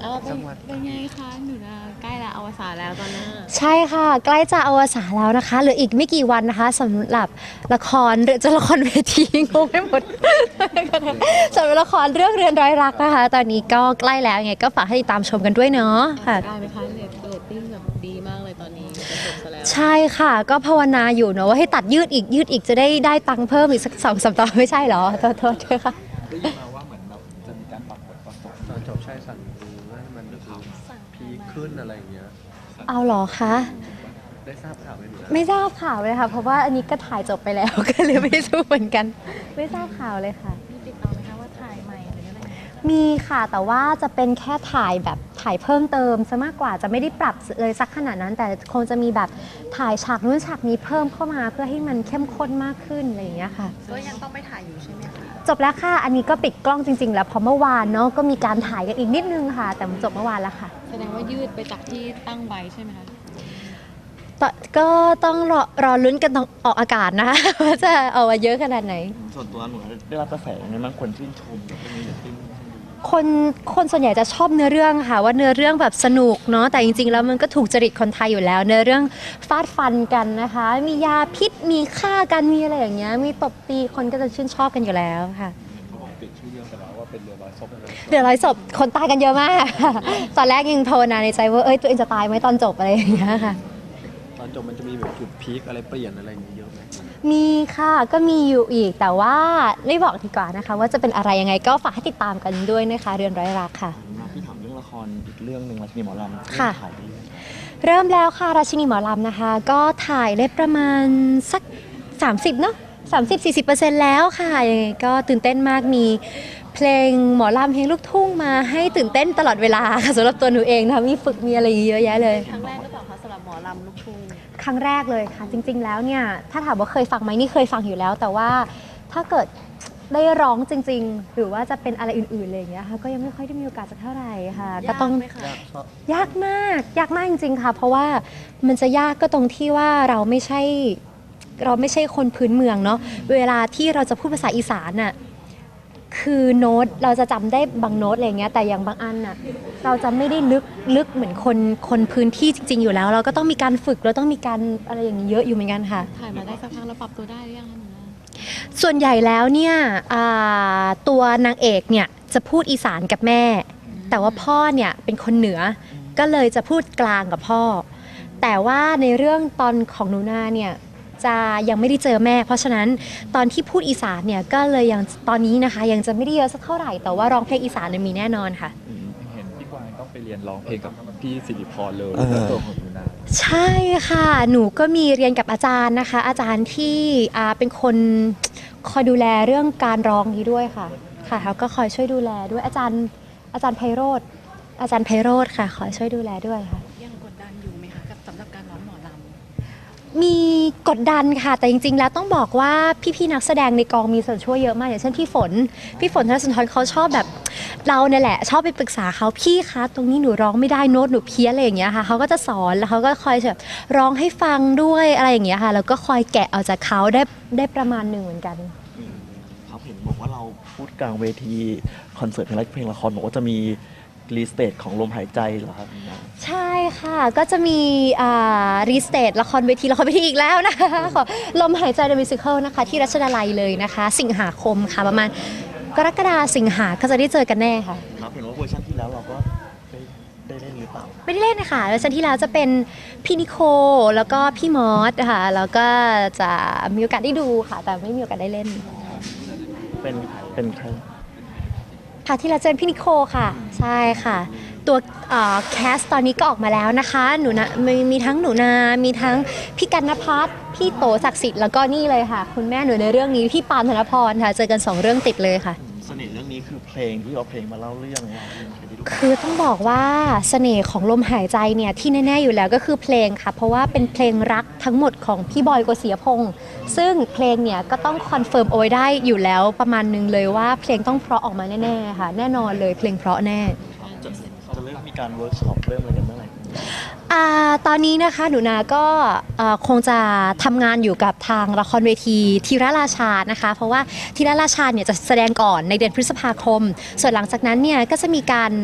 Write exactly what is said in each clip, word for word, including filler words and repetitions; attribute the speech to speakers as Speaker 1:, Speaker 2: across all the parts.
Speaker 1: เออเป็นเป็นไงคะหนูนาใกล้ละอวสานแล้วตอนหน้า
Speaker 2: ใช่ค่ะใกล้จะอวสานแล้วนะคะเหลืออีกไม่กี่วันนะคะสำหรับละครหรือจะละครเวทีงงไปหมด สำหรับละครเรื่องเรือนร้อยรักนะคะตอนนี้ก็ใกล้แล้วไงก็ฝากให้ติดตามชมกันด้วยเนาะค่ะ
Speaker 1: ได้ไหมคะเรตเรตติ้งแบบดีมากเลยตอนนี้จะจบซะแล้ว
Speaker 2: ใช่ค่ะก็ภาวนาอยู่เนาะว่าให้ตัดยืดอีกยืดอีกจะได้ได้ตังค์เพิ่มอีกสักสองสามตอนไม่ใช่เหรอโทษโทษด้วยค่ะ
Speaker 3: ได้ยินมาว่าเหมือนแบบจะมีการปรับบทปรับตอนตอนจบใช่สั่งดูให้มันดูพีคขึ้นอะไรอย่างเงี้ย
Speaker 2: เอาเหรอคะ
Speaker 3: ได้ทราบข่าวไหมหนูนะ
Speaker 2: ไม่ทราบข่าวเลยค่ะเพราะว่าอันนี้ก็ถ่ายจบไปแล้ว ก็เลยไม่รู้เหมือนกัน ไม่ทราบข่าวเลยค่ะ
Speaker 1: มีติดต่อไหมคะว่าถ่ายใหม่หรืออะไร
Speaker 2: มีค่ะแต่ว่าจะเป็นแค่ถ่ายแบบถ่ายเพิ่มเติมซะมากกว่าจะไม่ได้ปรับเลยสักขนาดนั้น แต่คงจะมีแบบถ่ายฉากนู้นฉากนี้เพิ่มเข้ามาเพื่อให้มันเข้มข้นมากขึ้นอะไรอย่างเงี้ยค่ะ
Speaker 1: ก็ยังต้องไปถ่ายอยู่ใช่ไหมคะ
Speaker 2: จบแล้วค่ะอันนี้ก็ปิดกล้องจริงๆแล้วเพราะเมื่อวานเนาะก็มีการถ่ายกันอีกนิดนึงค่ะ แต่จบเมื่อวานแล้วค่ะ
Speaker 1: แสดงว่ายืดไปจากที่ตั้งไว้ใช่ไหมคะ
Speaker 2: ตก็ต้องรอรอลุ้นกันตอนออกอากาศนะคะ ว่าจะเอามาเยอะขนาดไหน
Speaker 3: ส่วนตัวหนูได้รับกระแสยังไงบ้างคนชื่นชมแบบนี้หรือชื่น
Speaker 2: คนคนส่วนใหญ่จะชอบเนื้อเรื่องค่ะว่าเนื้อเรื่องแบบสนุกเนาะแต่จริงๆแล้วมันก็ถูกจริตคนไทยอยู่แล้ว เนื้อเรื่องฟาดฟันกันนะคะ มียาพิษมีฆ่ากันมีอะไรอย่างเงี้ยมีตบตีคนก็จะชื่นชอบกันอยู่แล้วค่ะ
Speaker 3: เขาบอกติดชื่อเรื่องไปแล้วว่าเป็นเรือร้อยศพเลย
Speaker 2: เดือดร้อยศพคนตายกันเยอะมาก ตอนแรกยังโทรนาในใจว่าเอ้ยตัวเองจะตายไหมตอนจบอะไรอย่างเงี้ยค่ะ
Speaker 3: ตอนจบมันจะมีแบบจุดพีคอะไรเปลี่ยนอะไรอย่างเงี้ยเยอะไหม
Speaker 2: มีค่ะก็มีอยู่อีกแต่ว่าไม่บอกดีกว่านะคะว่าจะเป็นอะไรยังไงก็ฝากให้ติดตามกันด้วยนะคะเรือนร้อยรักค่ะ
Speaker 3: พี่ถามเรื่องละครอีกเรื่องหนึ่งราชินีหมอลำ
Speaker 2: ค่ะ
Speaker 3: ถ่ายดี
Speaker 2: เริ่มแล้วค่ะราชินีหมอลำนะคะ ก็ถ่ายได้ประมาณสักสามสิบเนาะสามสิบสี่สิบเปอร์เซ็นต์แล้วค่ะยังไงก็ตื่นเต้นมากมีเพลงหมอลำเพลงลูกทุ่งมาให้ตื่นเต้นตลอดเวลาค่ะสำหรับตัวหนูเองนะคะมีฝึกมีอะไรเยอะแยะเลย
Speaker 1: ครั้งแรกหรือเปล่าคะสำหรับหมอลำลูกทุ่ง
Speaker 2: ครั้งแรกเลยค่ะจริงๆแล้วเนี่ยถ้าถามว่าเคยฟังไหมนี่เคยฟังอยู่แล้ว แต่ว่าถ้าเกิดได้ร้องจริงๆ หรือว่าจะเป็นอะไรอื่นๆอะไรอย่างเงี้ยค่ะก็ยังไม่ค่อยได้มีโอกาสสักเท่าไหร่ค่ะก็ต้องยากมากยากมากจริงๆค่ะเพราะว่ามันจะยากก็ตรงที่ว่าเราไม่ใช่เราไม่ใช่คนพื้นเมืองเนาะเวลาที่เราจะพูดภาษาอีสานน่ะคือโน้ตเราจะจำได้บางโน้ตอะไรเงี้ยแต่อย่างบางอันน่ะเราจะไม่ได้ลึกลึกเหมือนคนคนพื้นที่จริงๆอยู่แล้วเราก็ต้องมีการฝึกเราต้องมีการอะไรอย่างนี้เยอะอยู่เหมือนกันค่ะ
Speaker 1: ถ่ายมาได้สักพักแล้วปรับตัวได้หรือยังคะหนูนา
Speaker 2: ส่วนใหญ่แล้วเนี่ยตัวนางเอกเนี่ยจะพูดอีสานกับแม่แต่ว่าพ่อเนี่ยเป็นคนเหนือก็เลยจะพูดกลางกับพ่อแต่ว่าในเรื่องตอนของหนูนาเนี่ยจะยังไม่ได้เจอแม่เพราะฉะนั้นตอนที่พูดอีสานเนี่ยก็เลยยังตอนนี้นะคะยังจะไม่ได้เยอะสักเท่าไหร่แต่ว่าร้องเพลงอีสานเนี่ยมีแน่นอนค่ะ
Speaker 3: เห็นพี่กวางต้องไปเรียนร้องเพลงกับพี่สิริพรเลยตัวของหนูนา
Speaker 2: ใช่ค่ะหนูก็มีเรียนกับอาจารย์นะคะอาจารย์ที่เป็นคนคอยดูแลเรื่องการร้องนี้ด้วยค่ะค่ะเขาก็คอยช่วยดูแลด้วยอาจารย์อาจารย์ไพโรธอาจารย์ไพโรธค่ะคอยช่วยดูแลด้วยค่ะ
Speaker 1: ยังกดดันอยู่ไหมคะกับสำหรับการร้องหมอล
Speaker 2: ำมีกดดันค่ะแต่จริงๆแล้วต้องบอกว่าพี่ๆนักแสดงในกองมีส่วนช่วยเยอะมากอย่างเช่นพี่ฝนพี่ฝนธนสุนทรเขาชอบแบบเราเนี่ยแหละชอบไปปรึกษาเขาพี่คะตรงนี้หนูร้องไม่ได้โน้ตหนูเพี้ยนอะไรอย่างเงี้ยค่ะเขาก็จะสอนแล้วเขาก็คอยแบบร้องให้ฟังด้วยอะไรอย่างเงี้ยค่ะแล้วก็คอยแกะเอาจากเขาได้ได้ประมาณหนึ่งเหมือนกัน
Speaker 3: ครับเห็นบอกว่าเราพูดกลางเวทีคอนเสิร์ตเพลงเพลงละครบอกว่าจะมีรีสเตทของลมหายใจเหรอครับ
Speaker 2: ใช่ค่ะก็จะมีรีสเตทละครเวทีละครเวทีอีกแล้วนะคะขอลมหายใจเดอะมิวสิคลนะคะที่รัชดาลัยเลยนะคะสิงหาคมค่ะประมาณกรกฎาสิงหาก็จะได้เจอกันแน่ค่ะ
Speaker 3: ครับเห็นว่าเวอร์ชันที่แล้วเราก็ได้ได้เล่นหรือเปล่า
Speaker 2: ไม่ได้เล่นนะคะเวอร์ชันที่แล้วจะเป็นพี่นิโคแล้วก็พี่มอสค่ะแล้วก็จะมีโอกาสได้ดูค่ะแต่ไม่มีโอกาสได้เล่น
Speaker 3: เป็นเป็นใคร
Speaker 2: ค่ะที่เราเจอพี่นิโคค่ะใช่ค่ะตัวแคสตอนนี้ก็ออกมาแล้วนะคะหนูนะมีมีทั้งหนูนามีทั้งพี่กันนภัทรพี่โตศักดิ์สิทธิ์แล้วก็นี่เลยค่ะคุณแม่หนูในเรื่องนี้พี่ปานธนพรค่ะเจอกันสองเรื่องติดเลยค่ะ
Speaker 3: เสน่ห์เรื่องนี้คือเพลงที่เอาเพลงมาเล่าเรื่องเรา
Speaker 2: คือต้องบอกว่าเสน่ห์ของลมหายใจเนี่ยที่แน่ๆอยู่แล้วก็คือเพลงค่ะเพราะว่าเป็นเพลงรักทั้งหมดของพี่บอยโกศิยพงษ์ซึ่งเพลงเนี่ยก็ต้องคอนเฟิร์มเอาไว้ได้อยู่แล้วประมาณนึงเลยว่าเพลงต้องเพราะออกมาแน่ๆค่ะแน่นอนเลยเพลงเพราะแน่
Speaker 3: จะจะเริ่มมีการเวิร์กช็อปเริ่มอะไรกันเมื่อไหร่
Speaker 2: ตอนนี้นะคะหนูนาก็คงจะทำงานอยู่กับทางละครเวทีธีรราชานะคะเพราะว่าธีรราชาเนี่ยจะแสดงก่อนในเดือนพฤษภาคมส่วนหลังจากนั้นเนี่ยก็จะมีการค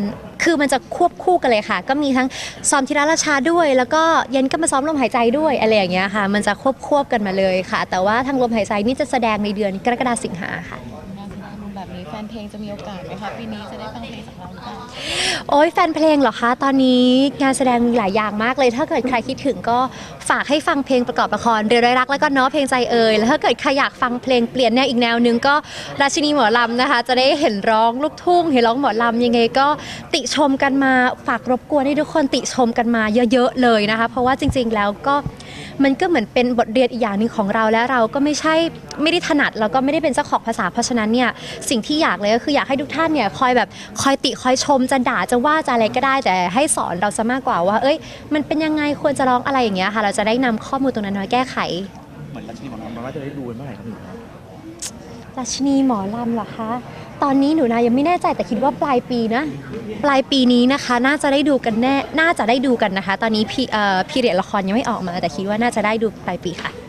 Speaker 2: คือมันจะควบคู่กันเลยค่ะ ก็มีทั้งซ้อมธีรราชาด้วย แล้วก็เย็นก็มาซ้อมลมหายใจด้วยอะไรอย่างเงี้ยค่ะ มันจะควบควบกันมาเลยค่ะ แต่ว่าทางลมหายใจนี่จะแสดงในเดือนกรกฎาคมสิงหาค่ะ
Speaker 1: งานแสดงมุมแบบนี้แฟนเพลงจะมีโอกาสไหมคะปีนี้จะได้ฟังเพลงจากเราหรือเปล่า
Speaker 2: โอ้ยแฟนเพลงเหรอคะ ตอนนี้งานแสดงมีหลายอย่างมากเลย ถ้าเกิดใครคิดถึงก็ฝากให้ฟังเพลงประกอบละครเรือร้อยรักแล้วก็เนาะเพลงใจเอ่ยแล้วถ้าเกิดใครอยากฟังเพลงเปลี่ยนแนวอีกแนวนึงก็ราชินีหมอลำนะคะ จะได้เห็นร้องลูกทุ่งเห็นร้องหมอลำยังไงก็ติชมกันมาฝากรบกวนให้ทุกคนติชมกันมาเยอะๆเลยนะคะ เพราะว่าจริง ๆ แล้วก็มันก็เหมือนเป็นบทเรียนอีกอย่างหนึ่งของเราและเราก็ไม่ใช่ไม่ได้ถนัดแล้วก็ไม่ได้เป็นเจ้าของภาษาเพราะฉะนั้นเนี่ยสิ่งที่อยากเลยก็คืออยากให้ทุกท่านเนี่ยคอยแบบคอยติคอยชมจะด่าจะว่าจะอะไรก็ได้แต่ให้สอนเราซะมากกว่าว่าเอ้ยมันเป็นยังไงควรจะร้องอะไรอย่างเงี้ยค่ะเราจะได้นำข้อมูลตรงนั้นมาแก้ไข
Speaker 3: เหมือนราชินีหมอลำมันว่าจะได้ดูเมื่อไหร่ครับหนู
Speaker 2: ราชินีหมอลำเหรอคะ ตอนนี้หนูนายังไม่แน่ใจแต่คิดว่าปลายปีนะ ปลายปีนี้นะคะน่าจะได้ดูกันแน่น่าจะได้ดูกันนะคะ ตอนนี้พีเอ่อพีเรียดละครยังไม่ออกมา แต่คิดว่าน่าจะได้ดูปลายปีค่ะ